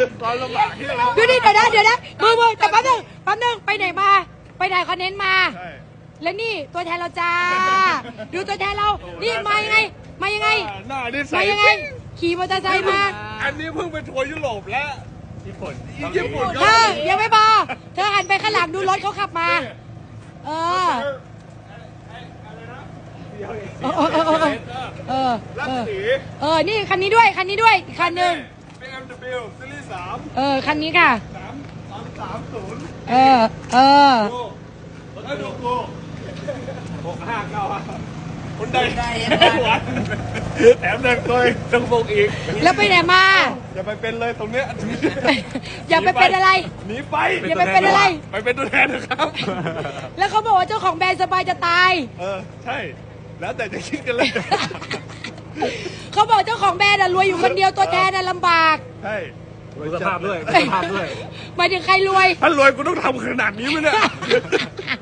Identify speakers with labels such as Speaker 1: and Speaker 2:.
Speaker 1: ความลำบากที่เรา
Speaker 2: ดูดิเดี๋ยวนะมือแต่แป๊บนึงไปไหนมาไปถ่ายคอนเทนต์มา
Speaker 1: ใช่
Speaker 2: แล้วนี่ตัวแทนเราจ้าดูตัวแทนเรานี่มายังไง
Speaker 1: หน้านี่
Speaker 2: มา
Speaker 1: ใส่
Speaker 2: ยังไงขี่มอเตอร์ไซค์มา
Speaker 1: อันนี้เพิ่งไปทัวร์ยุโรปแล้วญี่ปุ่น
Speaker 2: เธอยังไม่พอเธอหันไปข้างหลังดูรถเขาขับมาเออ
Speaker 1: รัศมี
Speaker 2: นี่คันนี้ด้วยอีกคันหนึ่ง
Speaker 1: BMW ซีรีส์3
Speaker 2: คันนี้ค่ะ
Speaker 1: 330
Speaker 2: เออ
Speaker 1: ดูแล้วดูกู659คนใดหวานแถมเดินตัวต้องโบกอีก
Speaker 2: แล้วไปไหนมา
Speaker 1: อย่าไปเป็นเลยตรงเนี้ย
Speaker 2: อย่าไปเป็นอะไร
Speaker 1: หนีไป
Speaker 2: อย่าไปเป็นอะไร
Speaker 1: ไปเป็นตัวแทนนะครับ
Speaker 2: แล้วเขาบอกว่าเจ้าของแบรนด์สบายจะตาย
Speaker 1: ใช่แล้วแต่จะคิดกันเลย
Speaker 2: เขาบอกเจ้าของแบรนด์รวยอยู่คนเดียวตัวแทนลำบาก
Speaker 1: ใช่
Speaker 3: ดูสภาพด้วย
Speaker 2: หมายถึงใครรวย
Speaker 1: ถ้ารวยกูต้องทำขนาดนี้ไหมเนี่ย